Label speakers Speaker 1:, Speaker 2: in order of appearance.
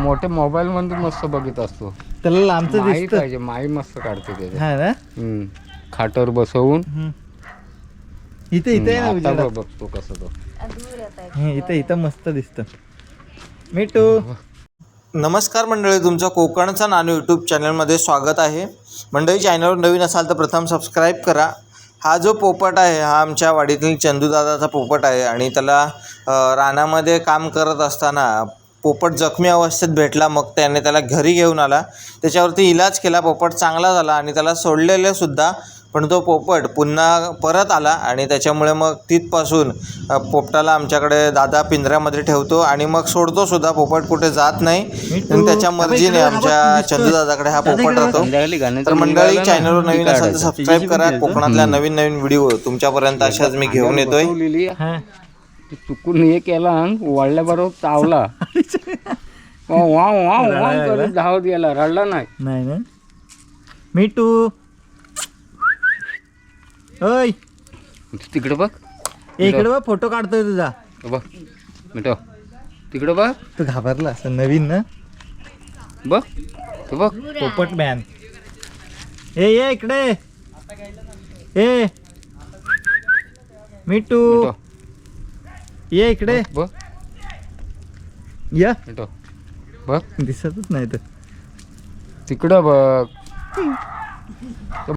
Speaker 1: मोठ्या मोबाईल मध्ये मस्त बघत असतो.
Speaker 2: त्याला लांबचं
Speaker 1: माई
Speaker 2: दिसतं.
Speaker 1: पाहिजे, माई मस्त काढते त्याचे.
Speaker 2: हा ना.
Speaker 1: खाटावर बसवून
Speaker 2: इथे इथे आहे ना
Speaker 1: आता
Speaker 2: उजेडात.
Speaker 1: बघतो कसं तो.
Speaker 2: इथे इथं मस्त दिसतं. मिठू.
Speaker 3: नमस्कार मंडळी, तुमचं कोकणचा नानू यूट्यूब चॅनलमध्ये स्वागत आहे. मंडळी, चॅनलवर नवीन असाल तर प्रथम सबस्क्राईब करा. हा जो पोपट आहे हा आमच्या वाडीतील चंदूदादाचा पोपट आहे आणि त्याला रानामध्ये काम करत असताना पोपट जखमी अवस्थेत भेटला. मग त्याने त्याला घरी घेऊन आला, त्याच्यावरती इलाज केला. पोपट चांगला झाला आणि त्याला सोडलेलेसुद्धा. पण तो पोपट पुन्हा परत आला आणि त्याच्यामुळे मग तिथपासून पोपटाला आमच्याकडे दादा पिंजऱ्यामध्ये ठेवतो आणि मग सोडतो सुद्धा. पोपट कुठे जात नाही आणि त्याच्या मर्जीने आमच्या चंदूदादाकडे हा पोपट राहतो. तर मंडळी, चॅनलवर नवीन असाल तर सबस्क्राईब करा. कोकणातल्या नवीन नवीन व्हिडिओ तुमच्यापर्यंत अशाच मी घेऊन येतोय.
Speaker 1: चुकून हे केला वळल्याबरोबर चावला. धावत गेला, रडला नाही.
Speaker 2: नाही ना. मिठू. ओय
Speaker 1: तिकडे बघ,
Speaker 2: इकडे बघ, फोटो काढतोय तुझा.
Speaker 1: बघ मिठो, तिकडे बघ.
Speaker 2: तू घाबरला असं नवीन ना.
Speaker 1: बघ तू बघ,
Speaker 2: पोपट मॅन. ये इकडे. ए मिठू, ये इकडे.
Speaker 1: बघ
Speaker 2: या.
Speaker 1: मिठो बघ,
Speaker 2: दिसतच नाही तर.
Speaker 1: तिकडं बघ.